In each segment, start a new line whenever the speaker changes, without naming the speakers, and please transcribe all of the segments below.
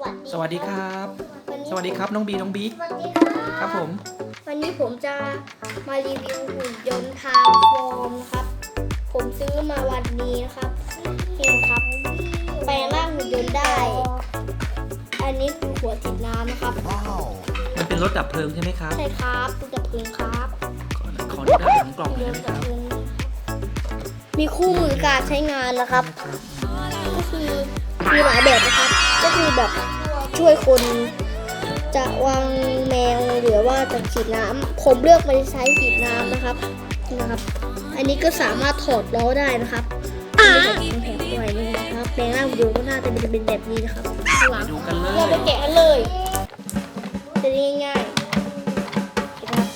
สวัสดีครับ สวัสดีครับน้องบีน้องบิ๊ก
สวัสดีครับ
ครับผม
วันนี้ผมจะมารีวิวหุ่นยนต์ทางฟอร์มนะครับ ผมซื้อมาวันนี้นะครับนี่นะครับแปลงร่างหุ่นยนต์ได้ อันนี้คือหัวติดน้ำนะครับ
มันเป็นรถดับเพลิงใช่ไหมครับ
ใช่ครับตู้ดับเพลิงครับ
ขอดูด้านหลังกล่องหน่อย
หุ่นย
ได้
น
ไหม
ต์
ค
ดั
รั
บบ เพลิงมีคู่มือการใช้งานนะครับ ก็คือมีหลายแบบนะครับ ก็คือแบบช่วยคนจะวางแมวหรือว่าจะฉีดน้ำผมเลือกไปใช้ฉีดน้ำนะครับนะครับ อันนี้ก็สามารถถอดล้อได้นะครับมีแบบแผงด้วยนี่นะครับแปลงร่างวิดีโอก็น่าจะเป็นแบบนี้นะครับข้างหลัง
ดูกันเล
เรา
ย
ไปแกะกันเลยจะได้ง่ายๆนะครับ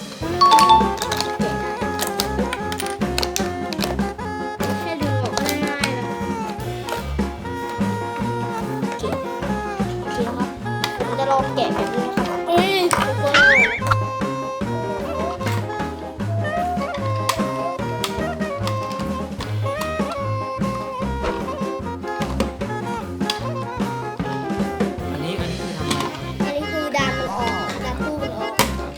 แค่ดึงออกก็ง่ายๆนะครับ โอเคครับผมจะลองแกะแบบนี้นะครับเอ้ยทุกคน
อันนี้คือทำอะไรครับ
อันนี้คือดันมันออกดันตู้มันออก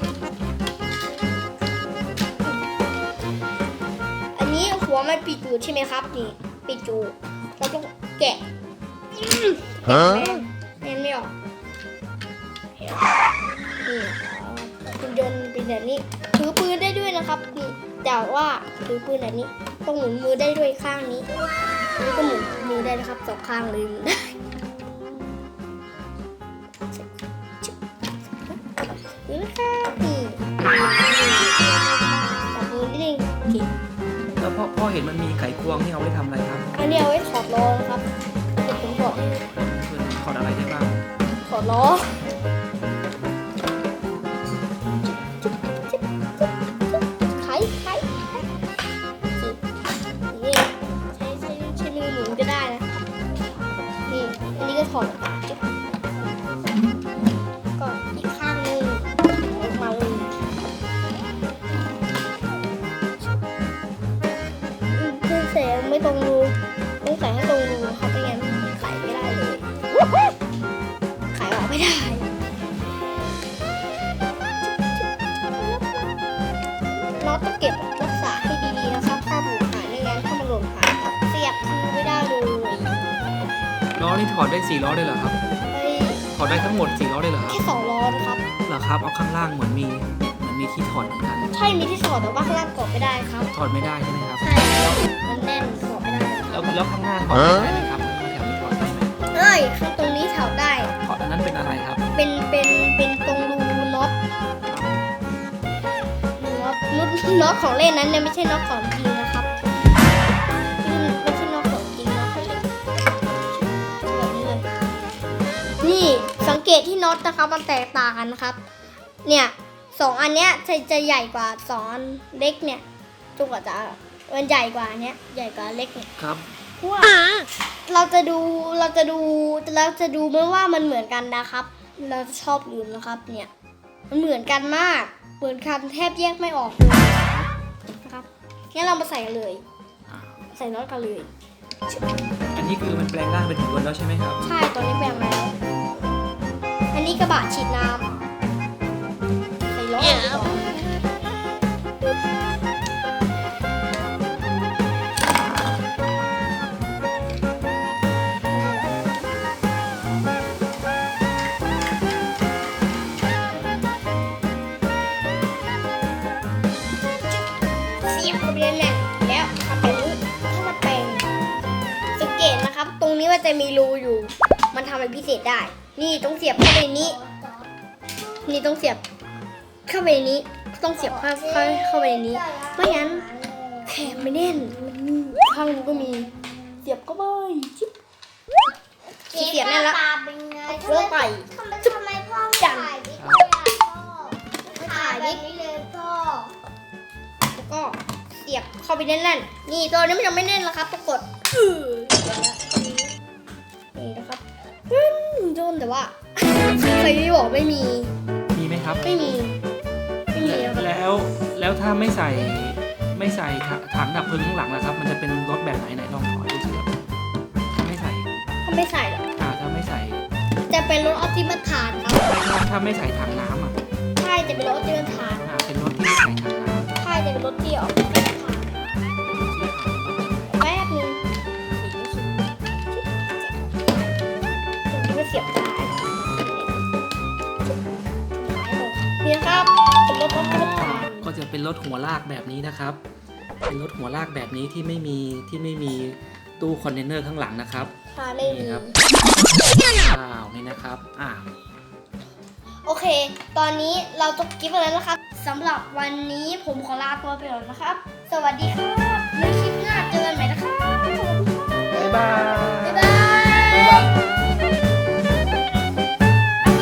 อันนี้หัวมันปิดอยู่ใช่ไหมครับนี่ปิดอยู่เราต้องแกะแม่นไม่ออกนี่คุณยนต์เป็นแบบนี้ถือปืนได้ด้วยนะครับนี่แต่ว่าถือปืนแบบนี้ต้องหมุนมือได้ด้วยข้างนี้อันนี้ก็หมุนมือได้นะครับสองข้างเลยหมุนได้นี่นะครับนี่จับมือนิดนึงโอเค
แล้วพ่อเห็นมันมีไขควงที่เอาไว้ทำอะไรครับ
อันนี้เอาไว้ถอดล้อนะครับเดี๋ยวผมถอด
ถอดอะไรได้บ้าง
ถอดล้อไขนี่ใช้มือหมุนก็ได้นะนี่อันนี้ก็ถอดออกมาจุ๊บก็อีกข้างหนึงออกมาเลยใส่ไม่ตรงรูต้องใส่ให้ตรงรูนะครับไม่งั้นไขไม่ได้เลยไขออกไม่ได้เราต้องเก็บรักษาให้ดีๆนะครับถ้าหลุดหายไม่งั้นถ้ามันหล่นหายครับเสียบคือไม่ได้เลย
ล้อนี่ถอดได้4ล้อเลยเหรอครับ
เฮ้ย
ถอดได้ทั้งหมด4ล้อเลยเหรอครับ
แค่2ล้อนะครับ
เหรอครับ เอาข้างล่างเหมือนมีที่ถอดเหมือนกัน
ใช่มีที่ถอดแต่ว่าข้างล่างกดไม่ได้ครับ
ถอดไม่ได้ใช่ไหมครับ
ใช่มันแน่นถอดไม่ได้
แล้วข้างหน้าถอดได้ไหมครับแถวนี้ถอดได้ไหม
เอ้ยข้างตรงนี้ถอดได้
ถอดอันนั้นเป็นอะไรครับ
เป็นตรงรูน็อตน็อตของเล่นนั้นเนี่ยไม่ใช่น็อตของจริงนะครับไม่ใช่น็อตของจริงนะแบบนี้เลยนี่สังเกตที่น็อตนะครับมันแตกต่างกันนะครับเนี่ย2อันเนี้ยจะใหญ่กว่า2อันเล็กเนี่ยจนกว่าจะมันใหญ่กว่าเนี้ยใหญ่กว่าเล็กเนี่ย
ครับ
เพราะว่าเราจะดูไม่ว่ามันเหมือนกันนะครับ เราจะชอบลืมนะครับเนี่ยมันเหมือนกันมากเหมือนกันแทบแยกไม่ออกเลยนะครับงั้นเรามาใส่กันเลย ใส่น็อตกันเลย
อันนี้คือมันแปลงร่างเป็นหุ่นยนต์แล้วใช่ไหมครับ
ใช่ตอนนี้แปลงแล้ว อันนี้กระบะฉีดน้ำใส่ล้อก่อนเสียบเข้าไปเลยแน่นแล้วทำแบบนี้ถ้ามันแปลงสังเกตนะครับ ตรงนี้มันจะมีรูอยู่ มันทำอะไรพิเศษได้ นี่ต้องเสียบเข้าไปในนี้ นี่ต้องเสียบเข้าไปในนี้ ต้องเสียบเข้าไปในนี้ ไม่งั้นแขนไม่แน่นมันมีข้างนู้นก็มี เสียบเข้าไปจิ๊บเสียบแน่นแล้ว
เป็นไง
เลิกไป
ทำไมพ่อไม่ถ่ายวิดีโอพ่อถ่ายแบบนี้เลยพ่อ
แล้วก็เสียบเข้าไปแน่นๆนี่ตัวนี้มันยังไม่แน่นแล้วครับต้องกดนี่นะครับโดนแต่ว่าใครที่บอกไม่มี
มีไหมครับ
ไม่มีนะครับ
แล้วถ้าไม่ใส่ถังดับเพลิงข้างหลังนะครับ มันจะเป็นรถแบบไหนลองถอดดูสิครับถ้าไม่ใส่
ถ้าไม่ใส่หรอ
ถ้าไม่ใส่
จะเป็นรถออปติมัสฐานครับ
ถ้าไม่ใส่ถังน้ำอ่ะ
ใช่จะเป็นรถออปติมัสฐาน
เป็นรถที่ไม่ใส่ถังน้ำ
ใช่จะเป็นรถที่ออปติมัสฐานแป๊บนึงตรงนี้ก็เสียบได้นี่นะครับเป็นรถออปติมัสฐาน
ก็จะเป็นรถหัวลากแบบนี้นะครับ เป็นรถหัวลากแบบนี้ที่ไม่มีตู้คอนเทนเนอร์ข้างหลังนะครับ
ค่ะไม่มี
นี่ครับว้าวนี่นะครับ
โอเค ตอนนี้เราจบคลิปไปแล้วนะครับสำหรับวันนี้ผมขอลาตัวไปก่อนนะครับ สวัสดีครับในคลิปหน้าเจอกันใหม่นะครับ
บ๊ายบาย
บ๊ายบาย